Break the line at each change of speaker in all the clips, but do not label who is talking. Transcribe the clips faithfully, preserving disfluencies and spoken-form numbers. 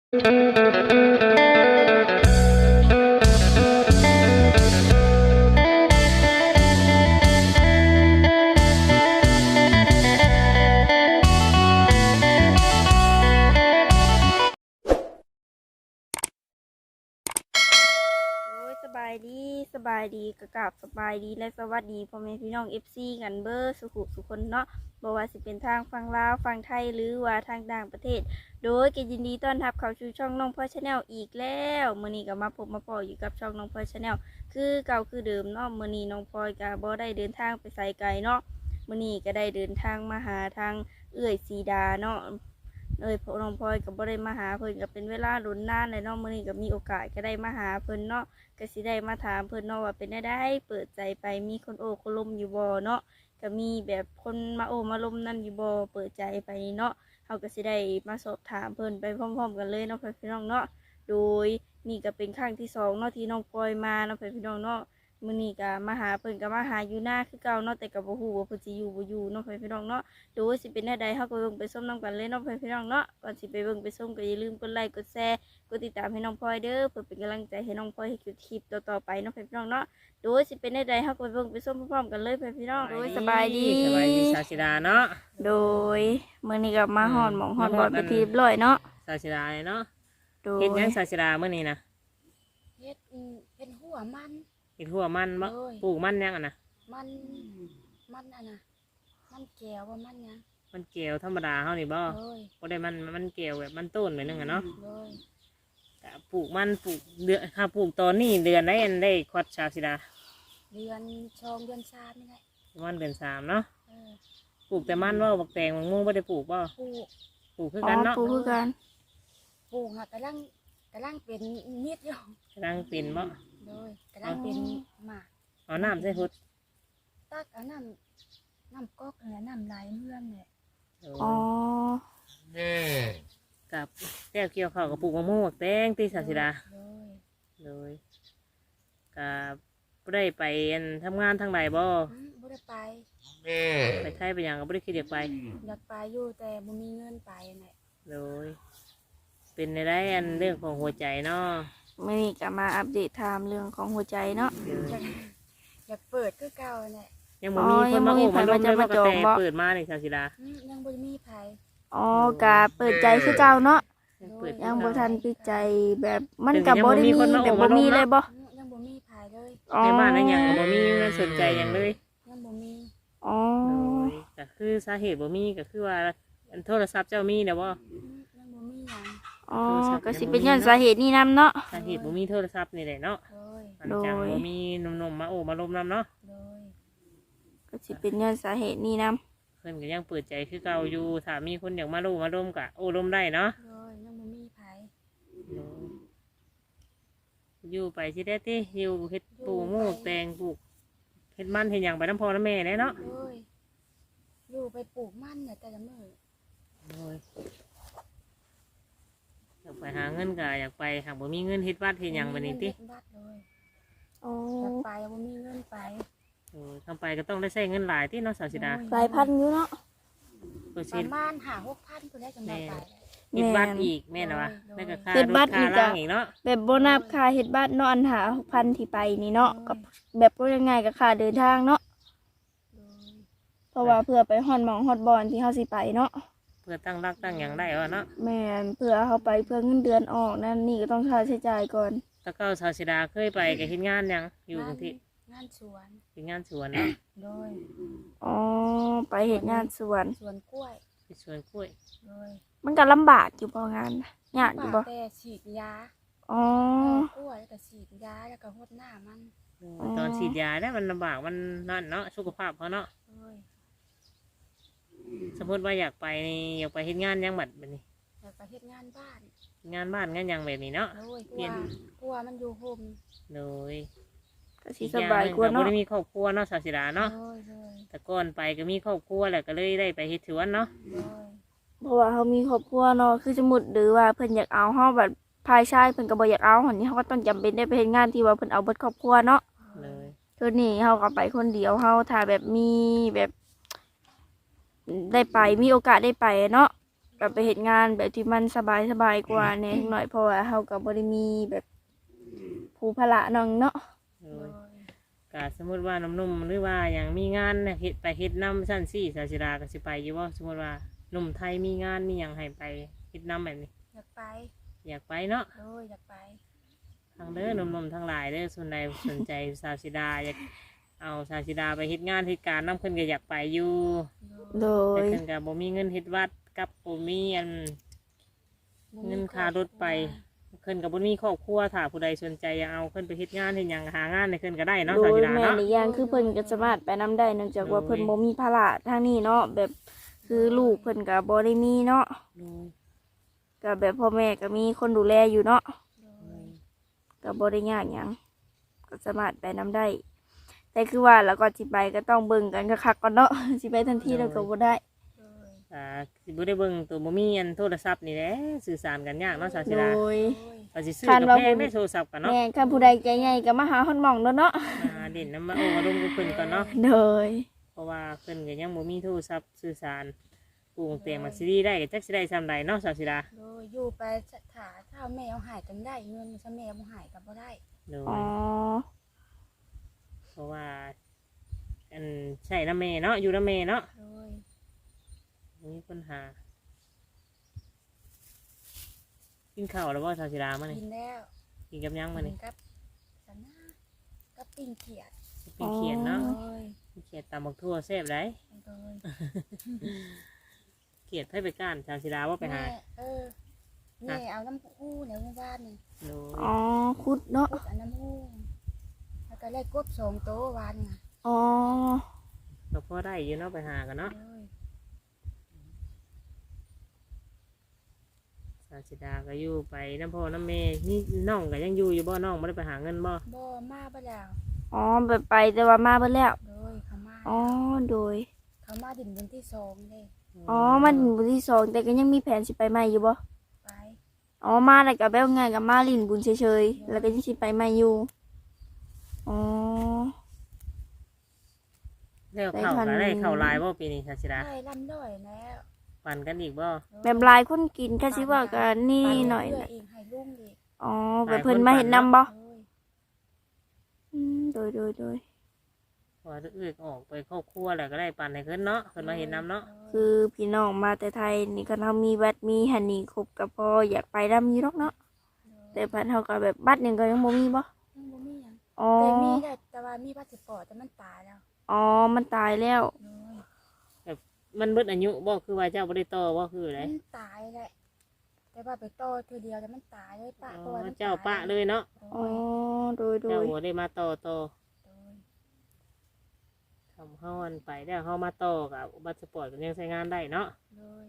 สบายดีสบายดีกะกับสบายดีและสวัสดีพ่อแม่พี่น้อง เอฟ ซี กันเบอร์สุขุสุคนเนาะบ่ว่าสิเป็นทางฝั่งลาวฝั่งไทยหรือว่าทางต่างประเทศโดยก็ยินดีต้อนรับเข้าสู่ช่องน้องพลอยชาแนลอีกแล้วมื้อนี้ก็มาพบมาพออยู่กับช่องน้องพลอยชาแนลคือเก่าคือเดิมเนาะมื้อนี้น้องพลอยก็บ่ได้เดินทางไปไสไกลเนาะมื้อนี้ก็ได้เดินทางมาหาทางเอื้อยสีดาเนาะเอ้ยน้องพลอยก็บ่ได้มาหาเพิ่นก็เป็นเวลาลุ้นนานเลยเนาะมื้อนี้ก็มีโอกาสก็ได้มาหาเพิ่นเนาะก็สิได้มาถามเพิ่นเนาะว่าเป็นได้ได้เปิดใจไปมีคนโอ้คนลมอยู่บ่เนาะก็มีแบบคนมาโอ้มาลมนั่นอยู่บ่เปิดใจไปเนาะเฮาก็สิได้มาสอบถามเพิ่นไปพร้อมๆกันเลยเนาะพี่น้องเนาะโดยนี่ก็เป็นครั้งที่สองเนาะที่น้องปอยมาเนาะพี่น้องเนาะมื้อนี้ก็มาหาเพิ่นก็มาหาอยู่หน้าคือเก่าเนาะแต่ก็บ่ฮู้ว่าเพิ่นสิอยู่บ่อยู่เนาะพี่น้องเนาะโดยสิเป็นได้ใดเฮาก็เบิ่งไปส้มนำกันเลยเนาะพี่น้องเนาะก่อนสิไปเบิ่งไปส้มก็อย่าลืมกดไลค์กดแชร์กดติดตามให้น้องพลอยเด้อเพื่อเป็นกำลังใจให้น้องพลอยให้คลิปต่อๆไปเนาะพี่น้องเนาะโดยสิเป็นได้ใดเฮาก็ไปเบิ่งไปส้มพร้อมๆกันเลยพี่น้องโดยสบายดี
สบายดีสาวชิดาเนาะ
โดยมื้อนี้ก็มาฮอดหม่องฮอดบ่อนไปที่เรียบร้อยเนาะ
สาวชิดาเนาะ
โดย
เฮ็ดหยังสาวชิดามื้อนี้นะ
เฮ็ดเป็นหัวมัน
เฮ็ดหัวมันบ่ปลูกมันยังอ่ะนะ
มันมันอ่ะนะมันแก้วว่ามันยัง
มันเกลียวธรรมดาเฮานี่บ่บ่ได้มันมันเกลียวแบบมันต้นไปนึงอ่ะเนาะก็ปลูกมันปลูกเดือนถ้าปลูกตอนนี้เดือนได้อันได้ควัดสาวชิดา
เดือนชองเดือนสามนี่แหละ
มันเดือนสามเนาะปลูกแต่มันบ่บักแตงบักม่วงบ่ได้ปลูกบ่
ปลูก
ปลูกคือกันเนาะ
ปลูกคือกัน
ปลูกอ่ะกำลังกำลังเป็นมิดอยู่
กำลังเป็นบ่
โดยกำลังเป็นหมาก
เอาน้ำใส่พุด
ตักเอาน้ำน้ำก๊อกเนี่ยน้ำไหลเมื่อนเนี่ย
อ๋อ
กับแก้วเกี่ยวข้าวกับปลูกมะม่วงบักแตงที่สาวชิดาเลยกับบ่ได้ไปทำงานทางใดบ่
บ่ได้ไป
ไปไทยไปยังก็บ่ได้คิดอยากไป
อยากไปอยู่แต่บ่มีเงินไปเนี่ย
เลยเป็นในได้อันเรื่องของหัวใจเนาะ
มื้อนี้ก็มาอัปเดตถามเรื่องของหัวใจเนาะ
อยากเปิดคือเก่าเนี่ย
ยังบ่มีคนมาโอ้มาลงเลยว่ากระแตเปิดมาในชาวศิลา
ยังบ่มีไผ
อ๋อกะเปิดใจคือเก่าเนาะยังบ่ทันปิดใจแบบมันก็บ่ได้มีแบบบ่มีเลยบ่
ยังบ่มีไผเลย
ในบ้านนั้นยังบ่มีมันสนใจยังเลย
ยังบ่มี
อ๋อ
ก็คือสาเหตุบ่มีก็คือว่าโทรศัพท์เจ้ามีเด้อบ่
ยังบ่มีหยัง
อ๋อก็สิเป็นย้อนสาเหตุนี้นำเนาะ
สาเหตุบ่มีโทรศัพท์นี่แหละเนาะโดยจังบ่มีหนุ่มๆมาโอ้มาลมนำเนาะ
ก็สิเป็นย้อนสาเหตุนี้นำ
เพิ่นก็ยังเปิดใจคือเก่าอยู่ถ้ามีคนอยากมาโอ้มาลมก็โอ้ลมได้เนาะ
โดยยังบ่มีไผ
อยู่ไปสิได้ติอยู่เฮ็ดปลูกหมูแตงปลูกเฮ็ดมันเฮ็ดหยังไปนำพ่อนำแม่ได้เนาะ
โดยอยู่ไปปลูกมันเนี่ยแต่ละมื้อ
โดยอยากไปหาเงินก็อยากไปหากบ่มีเงินเฮ็ดวัดเฮ็ดหยังบัดนี้ติ
อ๋อ
อยากไปบ่มีเงินไป
โอ้ทำไปก็ต้องได้ใช้เงินหลายที่เนาะสาวสิดา
หลายพันอยู่เนาะ
ประมาณห้า หกพันเพิ่นได้จังได๋ไป
เฮ็ดบัตรอีกแม่นว่ะแล้วก็ค่ารถค่าล่างอีกเนาะ
แบบบ่นับค่าเฮ็ดบัตรเนาะอันหา หกพัน ที่ไปนี่เนาะกับแบบก็ยังไงกับค่าเดินทางเนาะเพราะว่าเพื่อไปฮอดหม่องฮอดบอนที่เฮาสิไปเนาะ
เพื่อตั้งรักตั้งหยังได้ว่าเนาะ
แม่นเพื่อเฮาไปเพื่อเงินเดือนออกนั่นนี่ก็ต้องค่าใช้จ่ายก่อน
ตะเก้าสาวสิดาเคยไปก็เฮ็ดงานหยังอยู่จังซี่
งานสวน
เฮ็ดงานสวนเนาะ
โดย
อ๋อไปเฮ็ดงานสวน
สวนกล้วย
สวนกล้วย
โดย
มันก็ลำบากอยู่บ่งานยากอยู่บ่
แต่ฉีดยา
อ๋อก
ล้วยก็ฉีดยาแล้วก็รดน้ามัน
ตอนฉีดยาเนี่ยมันลำบากมันนั่นเนาะสุขภาพเขาเนาะสมมติว่าอยากไปอยากไปเฮ็ดงานยังบัดแบบนี้
อยากไปเฮ็ดงานบ้าน
งานบ้านงานยังแบบนี้เนาะ
เปลี่ยนกลัวมันอยู่โฮม
เลย
ก็สิสบายกว่าเนาะ
บ่ได้มีครอบครัวเนาะสาวศิลาเนาะแต่ก่อนไปก็มีครอบครัวแหละก็เลยได้ไปเฮ็ดสวนเนาะ
เพราะว่าเขามีครอบครัวเนาะคือสมมุติหรือว่าเพิ่นอยากเอาเฮาแบบภายชายเพิ่นก็บ่อยากเอาหั่นนี่เฮาก็ต้องจำเป็นได้ไปเฮ็ดงานที่ว่าเพิ่นเอาเบิดครอบครัวเนาะ
เลย
คือนี่เฮาก็ไปคนเดียวเฮาถ้าแบบมีแบบได้ไปมีโอกาสได้ไปเนาะก็ไปเฮ็ดงานแบบที่มันสบายสบายกว่าแหน่หน่อยเพราะว่าเฮาก็บ่ได้มีแบบภูภาระน้องเนาะ
โดยก็สมมุติว่าหนุ่มๆหรือว่าอย่างมีงานเนี่ยเฮ็ดไปเฮ็ดนำซั่นซี่สาวสิดาก็สิไปอยู่บ่สมมุติว่าหนุ่มไทยมีงานมีหยังให้ไปเฮ็ดนำแบบนี้
อยากไป
อยากไปเนาะ
โดยอยากไป
ทางเด้อหนุ่มๆทั้งหลายเด้อส่วนใดสนใจสาวสิดาอยากเอาสาวสิดาไปเฮ็ดงานเฮ็ดการนำเพิ่นก็อยากไปอยู่
โด
แต่
ย
เพิ่นก็บ่มีเงินเฮ็ดวัดกับบ่มีอัน เงินค่ารถไป เพิ่นก็บ่มีครอบครัวถ้าผู้ใดสนใจอยากเอาเพิ่นไปเฮ็ดงานเฮ็ดหยังหางานให้เพิ่นก็ได้เนาะ
โด
สาวย สิดา
แม่
เนาะ
นอีกอย่างคือเพิ่นก็สามารถไปนำได้เนื่องจากว่าเพิ่นบ่มีภาระทางนี้เนาะแบบคือลูกเพิ่นก็บ่ได้มีเนาะก็แบบพ่อแม่ก็มีคนดูแลอยู่เนาะ
โดย
ก็บ่ได้ยากหยังก็สามารถไปนำได้ แต่คือว่าแล้วก็สิไปก็ต้องเบิ่งกันคักๆก่อนเนาะ สิไปทันทีแล้วก็บ่ได้
โดย
อ่าสิบ่ได้เบิ่งตัวบ่มีอันโทรศัพท์นี่แหละสื่อสารกันยากเนาะสาวสิ
โด
ดาย
โดย
ก็สิซื้อ
คาด
กับ
ว่า
แพงได้โทรศัพท์กันเนาะ
แม่คันผู้ใดใจใหญ่ก็มาหาฮอดหม่องเด้อเนาะ
อ่าเด่นนำมาโอ้มาลงกับเพิ่นก่อนเนาะ
โดย
เพราะว่าเพิ่นก็ยังบ่มีโทรศัพท์สื่อสารปลูกเตียงมาซีรีได้ก็จักสิได้ซำใดเนาะสาวสิดา
โดยอยู่ไปถาถ้าแม่เอาหายกันได้เงินถ้าแม่บ่หายกันบ่ได้
โดย
อ๋อ
เพราะว่าอันใช่น้ำเมเนาะอยู่น้ำเมเนาะ
โดย
มีปัญหากินข้าวแล้วว่าสาวสิดามานี่
กินแล้ว
กินกับหยังมานี่
กับสันนากับปิ้งเขียด
เป็นเขียดเนาะ
โดย
เขียดตำบักทั่วแซ่บได้
โดย
เขียดให้ไปก้านสาวสิดาว่าไปหา
แม่เออแม่เอาน้ำหู้ในหมู่บ้านนี่
โดย
อ๋อคุดเนาะ
พุดอันน้ำหู้แล้วก็ได้กบสองโตววันน่ะ
อ๋อ
ก็พอได้อยู่เนาะไปหากันเนาะ
โดย
สาวสิดาก็อยู่ไปน้ำพ่อน้ำเมนี่น้องก็ยังอยู่อยู่บ่น้องไม่ได้ไปหาเงินบ่
บ่มาบ่แล้ว
อ๋อไปไปแต่ว่ามาเบิดแล้ว
โดยเขามา
อ๋อ โดย
เขามาดินบนที่สองเลย
อ๋อ มันบุญที่สองแต่ก็ยังมีแผนสิไปใหม่อยู่บ่
ไป
อ๋อ มาแล้วก็แบบง่ายกับมาลินบุญเฉยๆ แล้วก็ยังสิไปใหม่อยู่ อ๋อ
แล้วเข่าก็ได้เข่าลายบ่ปีนี้สาวสิดา
ได้ลำด้อยแล้ว
ปั่นกันอีกบ่
แบบหลายคนกินแค่สิว่ากันนี่
ไป
หน่อย
เพื่
นะ
เองให้ลุงอีก
อ๋อ แบบเพิ่นมาเห็นนำบ่
โดย
อืมโดยโดยโดย
พอเอื้อกออกไปครอบครัวแล้วก็ได้ปั่นให้ขึ้นเนาะขึ้นมาเห็นน้ำเนาะ
คือพี่น้องมาแต่ไทยนี่ก็เรามีบัตรมีหันนี่ครบกับพออยากไปดำอยู่หรอกเนาะ แต่พันเฮาก็แบบบัตรหนึงก็ยังบ่มีบ่
ยังบ่มีหยัง
อ๋อ
แต่มีได้แต่ว่ามีพาสปอร์ตแต่มันตายแล้ว
อ๋อ มันตายแล้ว
โดย
มันเบิดอายุบ่คือว่าเจ้าบ่ได้ต่อบ่คืออะไร
มันตายแหละแต่ว่าไปต่อทีเดียวแต่มันตายเลยปะ
อ๋
ตัว
อ
มัน
เจ้าปะเลยเนาะ
โด
อ๋อ
ย
โดยโด
เจ้าย บ่ได้มาต่อต่อ
โดย
ทำเฮาอันไปแล้วเฮามาต่อกับบัตรสปอร์ตก็ยังใช้งานได้เนาะ
โดย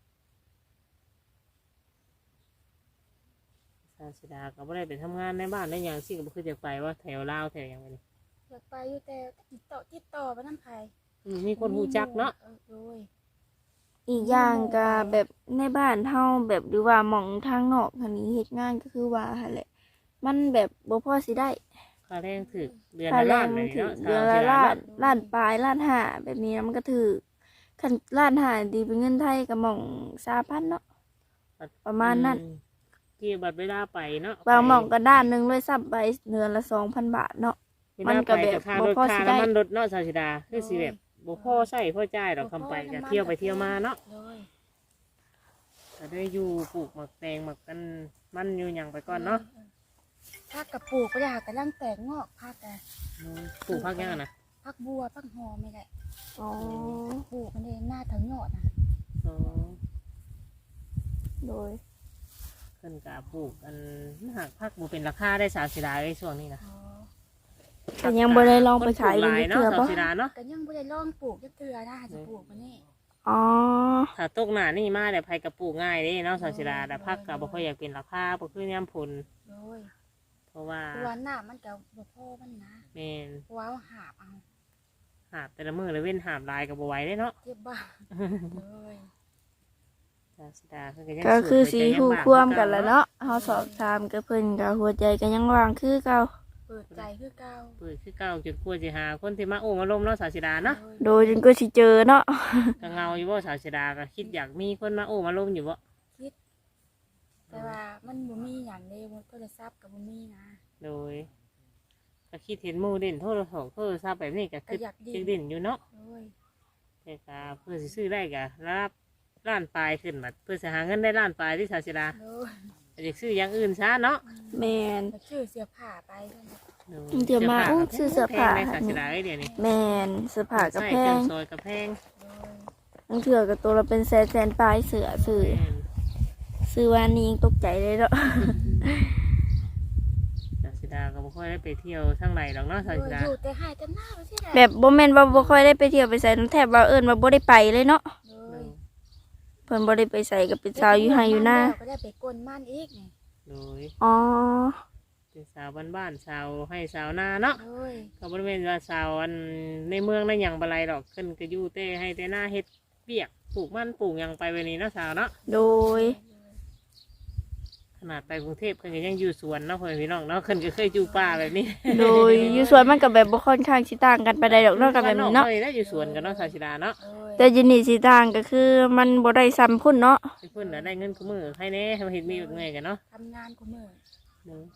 สาวสิดาก็บ่ได้ไปทำงานในบ้านได้หยังสิก็บ่คือจะไปว่าแถวลาวแถวหยังไงนี่
อยากไปอยู่แต่ติดต่อติดต่อไปน้ำไผ่
อืมมีคนฮู้จักเนาะ
ออโดย
อีกอย่างก็แบบในบ้านเฮาแบบหรือว่าหม่องทางนอกทางนี้เฮ็ดงานก็คือว่าหั่นแหละ มันแบบบ่พอสิได้
ค่าแรงถึกเดือน
ค่า
ละ
แร
ล้าง นเล
มัน
ย
ถึง
เนาะ
เดือนละล้านล้านปลายล้านห้าแบบนี้นะมันก็ถือคันล้านห้าดีเป็นเงินไทยก็หม่องสามพันเนาะ ประมาณนั้น
อืเกี่ยวบัตรเวลาไปเนาะ
บางหม่องก็ด้านหนึงเลยซับไปเดือนละสองพันบาทเนาะ
เวลา
มันก็แบบ
ไปค่า
บ่
รถ
พอ
ค่า
สิได้
น้ำมันรถเนาะสาวสิดาคือสิแบบบ่พอใช้พอจ่ายดอกคำไปก็เที่ยวไปเที่ยวมาเนาะ
โดย
ก็ได้อยู่ปลูกหมักแตงหมักกันมันอยู่หยังไปก่อนเนาะ
ผักกระปลูกก็อยากกระลังแตกงอกผักแต่
ปลูกพักยังนะ
ผักบัวผักหอมไม่ได้
อ๋อ
ปลูกมันเองหน้าถึงยอดนะ
อ๋อ
โดย
ขึ้นกาปลูกอันหักพักบ่เป็นราคาได้สาวสิดาในช่วงนี้นะ
อ๋อ
แต่ยังบ่ได้ลองไปขาย
คนปลูกห
เบิ่
ลาง ย
เทื่
เนาะ
อ
สาว
บ่
สิดาเนาะ
ก็ยังไม่ได้ลองปลูกจักเทื่อนะจะปลูกมันนี่
อ๋อ
ถ้าตกหน้านี่มาแต่ไผกับปลูกง่ายเด้เนาะสาวสิดาแต่พักก็บ่ค่อยอยากเป็นราคาบ่คือยามผล
โดย
เพราะว่า
ตัวหน้ามันก็บ่พอมันนะ
แม่น
เพราะว่าเอาหาบเอา
หาบแต่ละมื้อละเว้นหาบลายก็บ่ไหวเด้เนาะ
เจ็บบ้าโดย
สาวสิดาเพิ่นก็ยัง
ก็คือ
โสด
สี
แต่ยัง
คู่
บ้า
ควมกันแหล้วเนาะเฮาสอบถามกับเพิ่นก็หัวใจก็ยังว่างคือเก่า
โเปิดใจคือเก่า
เปิดคือเก่าจนกลัวสิหาคนที่มาโอ้มาล้มเนาะสาวสิดาเนาะ
โดยจนก็สิเจอเนาะ
ก็เงาอยู่บ่สาวสิดาก็คิดอยากมีคนมาโอ้มาล้มอยู่บ่
คิด แต่ว่ามันบ่มีหยังเด้บ่โทรศัพท์ก็บ่มีนะ
โดยก็คิดเห็นหมู่เด่นโทรศัพท์โทรศัพท์แบบนี้ก็คือ
ก็อยากดิ้น
จิกเด่นอยู่เนาะ
โอ้ย
แต่ก็เพื่อสิซื้อได้ก็รับล้านปลายขึ้นบัดเพื่อสิหาเงินได้ล้านปลายที่สาวสิดา
โอ้ย
อยากซื้ออย่างอื่นซะเนาะ
แมน
อยากชื่อเสื้อผ้าไปเท่านั้น
เดี๋ยวมาอู้ซื้อเสื้อผ้า
แพงในสาวสิดาเอ้ยเดี๋ยวนี้
แมนเสื้อผ้ากับ
ใส่
แพ
เครื่อง งซอยกับแพง
โอ้ย
บางเถื่อกับตัวเราเป็นแสนแสนปลายเสือซื้อซื้อวานี้ยังตกใจเลยเนาะ
สาวสิดาก็บ่ค่อยได้ไปเที่ยวทางไหนหรอกเนาะสาว
โอ้
สิ
ย
ดา
อยู่แต่ให้แต่หน้าบ่ใช่
แบบบ่แม่นว่าบ่ค่อยได้ไปเที่ยวไปใส่น้ำแทบว่าเอิ้นว่าบ่ได้ไปเลยเนาะ
โอ้ย
เพิ่นบ่ได้ไปใส่กับเป็นสาวอยู่ไห้อยู่หน้า
ก็ได้ไปกลมันอีกนี่
โดย
อ๋อ
เป็นสาวบ้านๆสาวให้สาวนาเนาะ
โอ้ย
ก็บริเวณว่าสาวอันในเมืองนั่นอย่างบะไรดอกขึ้นก็อยู่เต้ให้แต่หน้าเฮ็ดเปียกปลูกมันปลูกหยังไปวันนี้เนาะสาวเนาะ
โดย
ขนาดไปกรุงเทพเพิ่นก็ยังอยู่สวนเนาะเพื่อนพี่น้องเนาะเพิ่นก็เคยอยู่ป่าแบบนี้
โดยอยู่สวนมันก็แบบบ่ค่อนข้างสิต่างกันไปได้ดอกเนาะกับแบบนี้เนาะ
เคยได้อยู่สวนกันเนาะสาวชิดาเนาะ
โอ้ย
แต่อยินนี่สิต่างก็คือมันบ่ได้ซ้ำพุ่นเนาะ
เพิ่นน่ะได้เงินคู่มือให้แน่ให้มาเฮ็ดมีเงินกันเนาะ
ทำงานกูมือ
เนาะ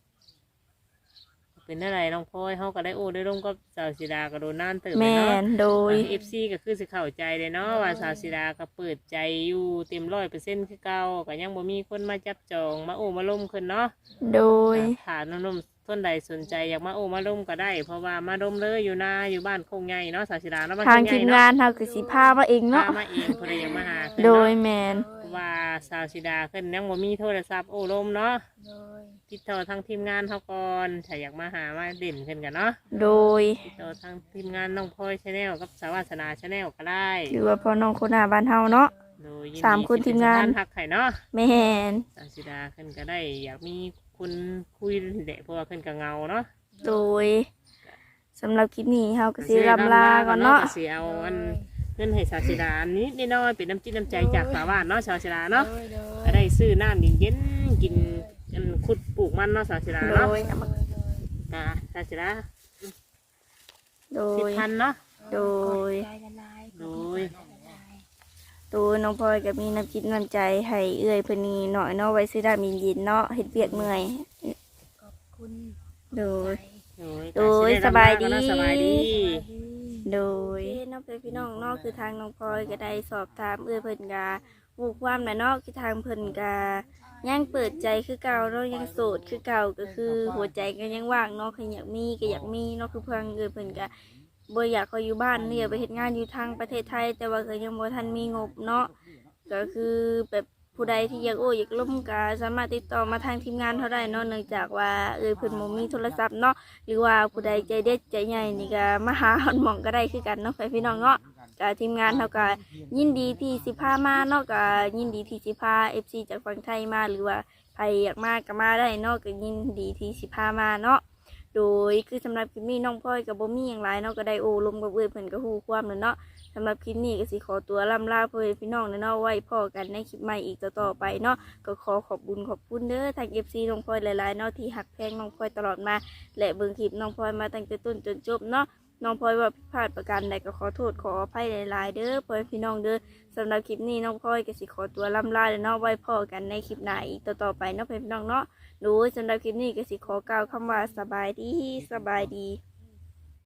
เป็นอะไรน้องพลอยเฮาก็ได้โอ้ได้ร่มกับสาวชิดาก็โดนนานเติบ
แม
เลยเนาะ
นโดย
เอฟซีก็คือสิเข้าใจเลยเนาะว่าสาวศิดาก็เปิดใจอยู่เต็มร้อยเปอร์เซ็นต์คือเก่าก็ยังบ่มีคนมาจับจองมาโอ้มาล้มขึ้นเนาะ
โดย
ถ้านุ่มๆต้นใดสนใจอยากมาโอ้มาล้มก็ได้ เพราะว่ามาล้มเลยอยู่นาอยู่บ้านคงใหญ่เนาะสาวศิดาเนาะบ้น
ทาง
คใหญ่
ทีม
เนาะ
งานเฮาคือสิพามาเองเนาะ
พามาเองเพิ่นอยากมาหาเพิ่น
โด
เนาะ
ยแมน
เพราะว่าสาวศิดาขึ้นยังบ่มีโทรศัพท์โอ้ล้มเนาะ
โดย
ติดต่อทางทีมงานเฮาก่อนถ้าอยากมาหามาเด่นขึ้นกันเนาะ
โดย
ติดต่อทางทีมงานน้องพลอยชาแนลกับสาวาสนาชาแนลก็ได้
หรือว่าพ่อน้องคนหน้าบ้านเฮาเนาะ
โดยยิดี
สามคนทีมงาน
สิเป็สะพหักไข่เนาะ
แมน
สาวสิดาขึ้นก็ได้ อยากมีคุณคุยเด็กเพราะว่าขึ้นกับเงาเนาะ
โดยสำหรับคลิปนี้เฮาก็สิลำลาก่อนเนาะ
ก็สิเอาอันเงินให้สาวสิดาอันนี้นิดหน้อยเป็นน้ำจิ้มน้ำใจจากสาวบ้านเนาะสาวสิดาเนาะ
โดยโดย
ก็ได้ซื้อน้ำเย็นๆกินกันขุดปลูกมันเนาะสาวสิดา
โด
เนาะ
ย
โดยโดย
ก็สาวสิดา
โด
สิบ
ย
พันเนาะ
โดย
ใจละลาย
โดย
โดยน้องพลอยก็มีน้ำจิตน้ำใจให้เอื้อยเพิ่นนี่หน่อยเนาะไว้ซื้อดามินยินเนาะเฮ็ดเวียกเมื่อย
ขอบคุณ
โดย
โดย
โดย
ก็
สบายดี
เนะสบายดี
โดยน้องเป็นพี่น้องเนาะคือทางน้องพลอยก็ได้สอบถามเอื้อยเพิ่นกาวูกความน่ะเนาะคือทางเพิ่นกายังเปิดใจคือเก่าเนาะยังโสดคือเก่าก็คือหัวใจก็ยังว่างเนาะคืออยากมีก็อยากมีเนาะคือเพิ่นเอื้อยเพิ่นก็บ่อยากเขาอยู่บ้านเนี่ยไปเฮ็ดงานอยู่ทางประเทศไทย แต่ว่าก็ยังบ่ทันมีงบเนาะก็คือแบบผู้ใดที่อยากโอ้อยากล้มก็สามารถติดต่อมาทางทีมงานเขาได้เนาะเนื่องจากว่าเอ้ยเพิ่นบ่มีโทรศัพท์เนาะ หรือว่าผู้ใดใจเด็ดใจใหญ่นี่ก็มาหาหอนหมองก็ได้คือกันเนาะไปพี่น้องเนาะกับทีมงานเขาก็ยินดีที่สิพามาเนาะก็ยินดีที่สิพา เอฟ ซี จากฝั่งไทยมาหรือว่าใครอยากมาก็มาได้เนาะก็ยินดีที่สิพามาเนาะโดยคือสำหรับคลิปนี้น้องพลอยกับบ่มีอย่างไรเนาะก็ได้โอ้ลมกับเอื้อยเพิ่นก็ฮู้ความแล้วเนาะสำหรับคลิปนี้ก็สิขอตัวล่ำลาเพื่อนพี่น้องเนาะไว้พอกันในคลิปใหม่อีกต่อๆไปเนาะก็ขอขอบคุญขอบคุณเด้อทาง เอฟ ซี น้องพลอยหลายๆเนาะที่หักแพงน้องพลอยตลอดมา และเบิ่งคลิปน้องพลอยมาตั้งแต่ต้นจนจบเนาะน้องพลอยว่าผิดพลาดประการใดก็ขอโทษขออภัยหลายๆเด้อพ่อแม่พี่น้องเด้อสำหรับคลิปนี้น้องพลอยก็สิขอตัวล่ำลาแล้วเนาะไว้พอกันในคลิปหน้าอีกต่อๆไปเนาะพ่อแม่พี่น้องเนาะโดยสำหรับคลิปนี้ก็สิขอกล่าวคำว่าสบายดีสบายดี